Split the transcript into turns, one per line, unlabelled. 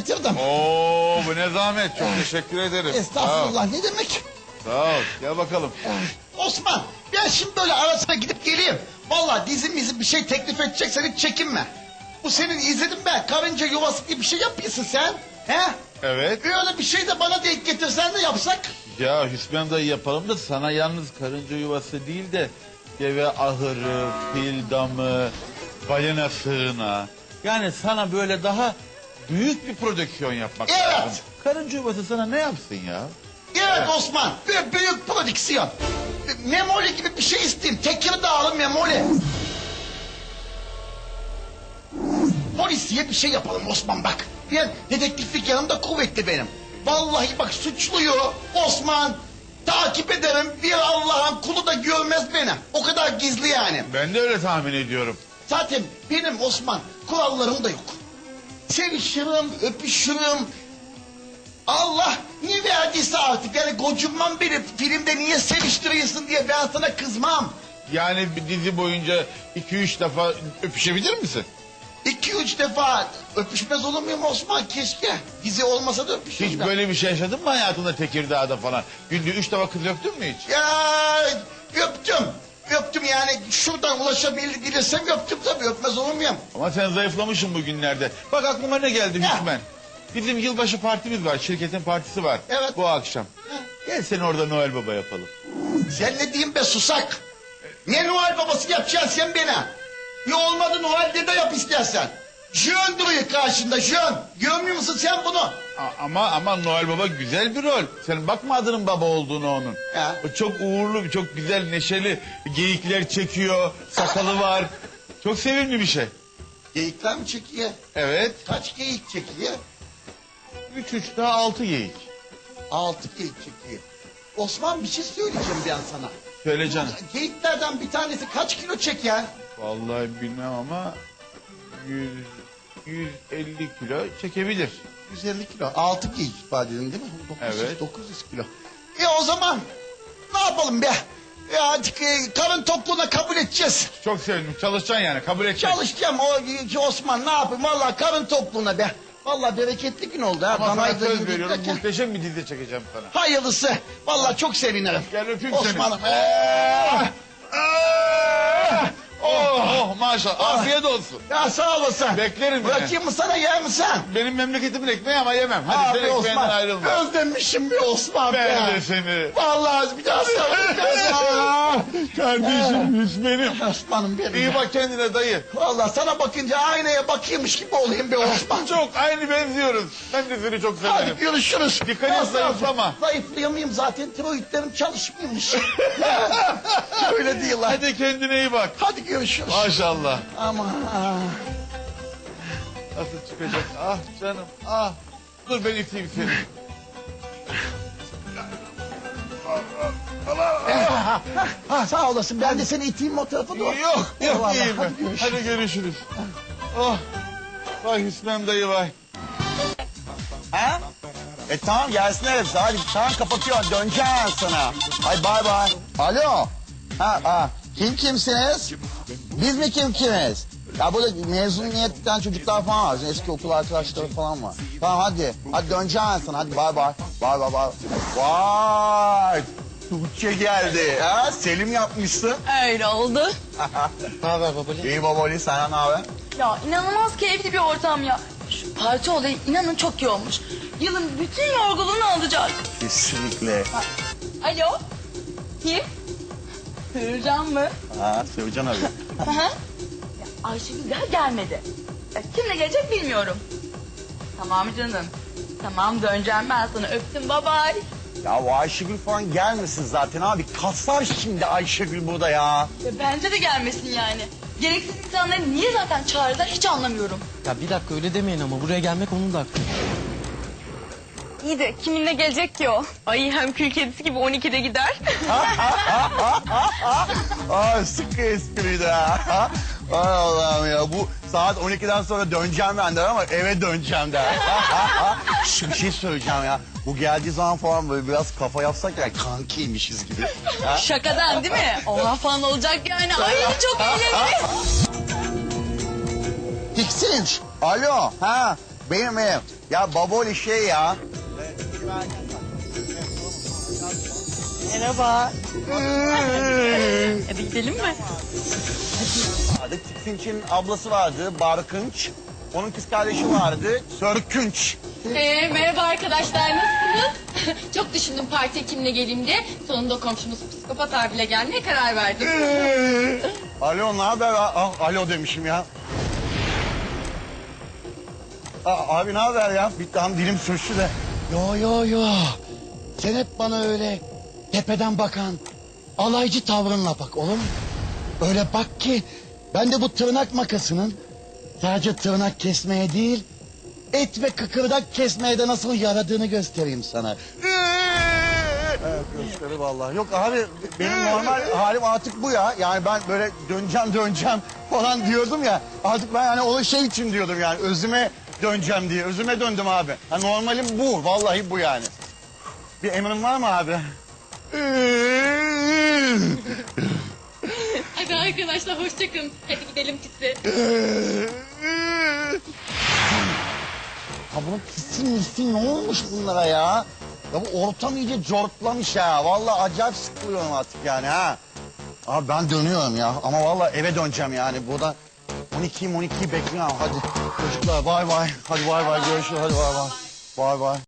getirdim.
Oo, bu ne zahmet. Çok teşekkür ederim.
Estağfurullah, ne demek?
Sağ ol. Gel bakalım.
Osman, ben şimdi böyle arasına gidip geleyim. Vallahi dizim bir şey teklif edeceksen hiç çekinme. Bu senin izledim ben. Karınca yuvası diye bir şey yapıyorsun sen. He?
Evet.
Öyle bir şey de bana denk getirsen de yapsak.
Ya Hüsmen dayı yapalım da sana yalnız karınca yuvası değil de deve ahırı, fil damı, balina sığınağı. Yani sana böyle daha büyük bir prodüksiyon yapmak
Evet.
lazım. Karınca yuvası sana ne yapsın ya?
Evet Osman, büyük prodüksiyon. Memoli gibi bir şey isteyeyim. Tekirdağlı memoli. Polisiye bir şey yapalım Osman bak. Ben dedektiflik yanımda kuvvetli benim. Vallahi bak suçluyu Osman takip ederim. Bir Allah'ın kulu da görmez beni. O kadar gizli yani.
Ben de öyle tahmin ediyorum.
Zaten benim Osman kurallarım da yok. Sevişirim, öpüşürüm. Allah niye verdiyse artık yani kocunmam beni filmde niye seviştiriyorsun diye ben sana kızmam.
Yani bir dizi boyunca 2-3 defa öpüşebilir misin?
2-3 defa öpüşmez olur muyum Osman keşke. Dizi olmasa da öpüşürüm.
Hiç böyle bir şey yaşadın mı hayatında Tekirdağ'da falan? Günde 3 defa kız öptün mü hiç?
Ya öptüm. Öptüm yani şuradan ulaşabilirsem öptüm tabii öpmez olur muyum?
Ama sen zayıflamışsın bugünlerde. Bak aklıma ne geldi
Ya.
Hüsmen? Bizim yılbaşı partimiz var. Şirketin partisi var.
Evet.
Bu akşam. Gel seni orada Noel Baba yapalım.
Sen ne diyeyim be susak? Ne Noel babası yapacaksın sen bana? Ne olmadı Noel dede yap istersen. Jön duruyor karşında jön. Görmüyor musun sen bunu?
Ama Noel Baba güzel bir rol. Sen bakma adının baba olduğunu onun.
Ya.
O çok uğurlu, çok güzel, neşeli. Geyikler çekiyor, sakalı var. Çok sevimli bir şey.
Geyikler mi çekiyor?
Evet.
Kaç geyik çekiyor?
3 daha 6 geyik.
6 geyik çekiyor. Osman bir şey söyleyeceğim ben sana.
Söyle canım.
Geyiklerden bir tanesi kaç kilo çeker?
Vallahi bilmem ama 150 kilo çekebilir.
150 kilo. 6 geyik ifade edin değil mi? 900,
Evet.
900 kilo. O zaman ne yapalım be? Ya artık karın tokluğuna kabul edeceğiz.
Çok sevindim. Çalışacaksın yani, kabul edeceksin.
Çalışacağım o Osman ne yapayım? Vallahi karın tokluğuna be. Vallahi bereketli gün oldu ha.
Ama sana
Danayı da
söz
yedik
veriyorum,
derken.
muhteşem bir dizi çekeceğim sana.
Hayırlısı. Vallahi çok sevinirim.
Gel öpeyim
Osman'ım.
seni. Oh maşallah, afiyet olsun.
Ya sağ olasın.
Beklerim
Bırakayım mı sana yer misin?
Benim memleketimin ekmeği ama yemem. Hadi sen
Abi
ekmeğinden
Osman.
ayrılma.
Özlemişim bir Osman be.
Ben de seni.
Vallahi bir daha
Kardeşim Hüsmen'im.
Osman'ım benim.
İyi bak kendine dayı.
Vallahi sana bakınca aynaya bakıyormuş gibi olayım be Osman.
Çok aynı benziyoruz. Ben de seni çok
Hadi
severim.
görüşürüz.
Dikkat et, zayıflama.
Zayıflayamayayım zaten tiroidlerim çalışmıyormuş. Öyle değil lan.
Hadi kendine iyi bak.
Hadi görüşürüz.
Maşallah.
Ama
Nasıl çıkacak? Ah canım ah. Dur ben iteyim seni.
sağ olasın ben de seni iteyim o tarafa doğru.
Yok
Eyvallah,
iyiyim ben.
hadi görüşürüz.
Hadi görüşürüz. Oh. Vay Hüsmen dayı vay.
Ha? Tamam gelsin hepsi. Hadi tamam kapatıyorum. Döneceğim sana. Hadi bay bay. Alo. Kimsiniz? Biz mi kimiz? Ya burada mezuniyetten çocuklar falan var. Bizim eski okul arkadaşları falan var. Tamam hadi. Hadi döneceğim sana. Hadi bay bay. Bay bay bay. Vay. Tuğçe geldi. Ha? Selim yapmışsın.
Öyle oldu.
Ne haber babali? İyi babali. Senden ne haber?
Ya inanılmaz keyifli bir ortam ya. Şu parti olayı inanın çok iyi olmuş. Yılın bütün yorgunluğunu alacak.
Kesinlikle.
Alo? Kim? Hürcan mı?
Ha, Sevcan abi.
Hı hı. Ya Ayşegül daha gelmedi. Ya kimle gelecek bilmiyorum. Tamam canım. Tamam döneceğim ben sana öptüm bye bye.
Ya o Ayşegül falan gelmesin zaten abi. Kaslar şimdi Ayşegül burada ya.
Ya bence de gelmesin yani. Gereksiz insanları niye zaten çağırdılar hiç anlamıyorum.
Ya bir dakika öyle demeyin ama buraya gelmek onun da hakkı.
İyi de kiminle gelecek ki o? Ay hem kül kedisi gibi 12'de gider.
Ay sıkı espriydi ha. Ay Allah'ım ya bu saat 12'den sonra döneceğim ben der ama eve döneceğim der. Şu bir şey söyleyeceğim ya. Bu geldiği zaman falan böyle biraz kafa yapsak ya kankiymişiz gibi.
Şakadan değil mi? Oha falan olacak yani. Ay çok eğleniriz.
Tiksinç. Alo. Ha benim. Ya baboli şey ya.
Merhaba. Hadi gidelim mi?
Vardı. Tiksinç'in ablası vardı, Barkınç. Onun kız kardeşi vardı, Sörkünç.
Merhaba arkadaşlar, nasılsınız? Çok düşündüm partiye kimle geleyim diye. Sonunda komşumuz psikopat abiyle gelmeye karar verdim.
Alo, ne haber? Alo demişim ya. Abi ne haber ya? Bir tam dilim sürçtü de.
Yo. Sen hep bana öyle tepeden bakan alaycı tavrınla bak oğlum. Öyle bak ki ben de bu tırnak makasının sadece tırnak kesmeye değil et ve kıkırdak kesmeye de nasıl yaradığını göstereyim sana.
Evet, gösteri vallahi. Yok abi, benim normal halim artık bu ya. Yani ben böyle döneceğim falan diyordum ya. Artık ben yani o şey için diyordum yani. Özüme döneceğim diye. Özüme döndüm abi. Ha, normalim bu. Vallahi bu yani. Bir emrin var mı abi?
Hadi arkadaşlar hoşçakalın. Hadi gidelim pisi.
Ha bunun pisin ne olmuş bunlara ya? Ya bu ortam iyice cortlamış ha. Vallahi acayip sıkılıyorum artık yani ha. Abi ben dönüyorum ya. Ama vallahi eve döneceğim yani. Burada 12'yi bekliyorum. Hadi çocuklar bay bay. Hadi bay bay görüşürüz. Hadi bay bay. Bay bay.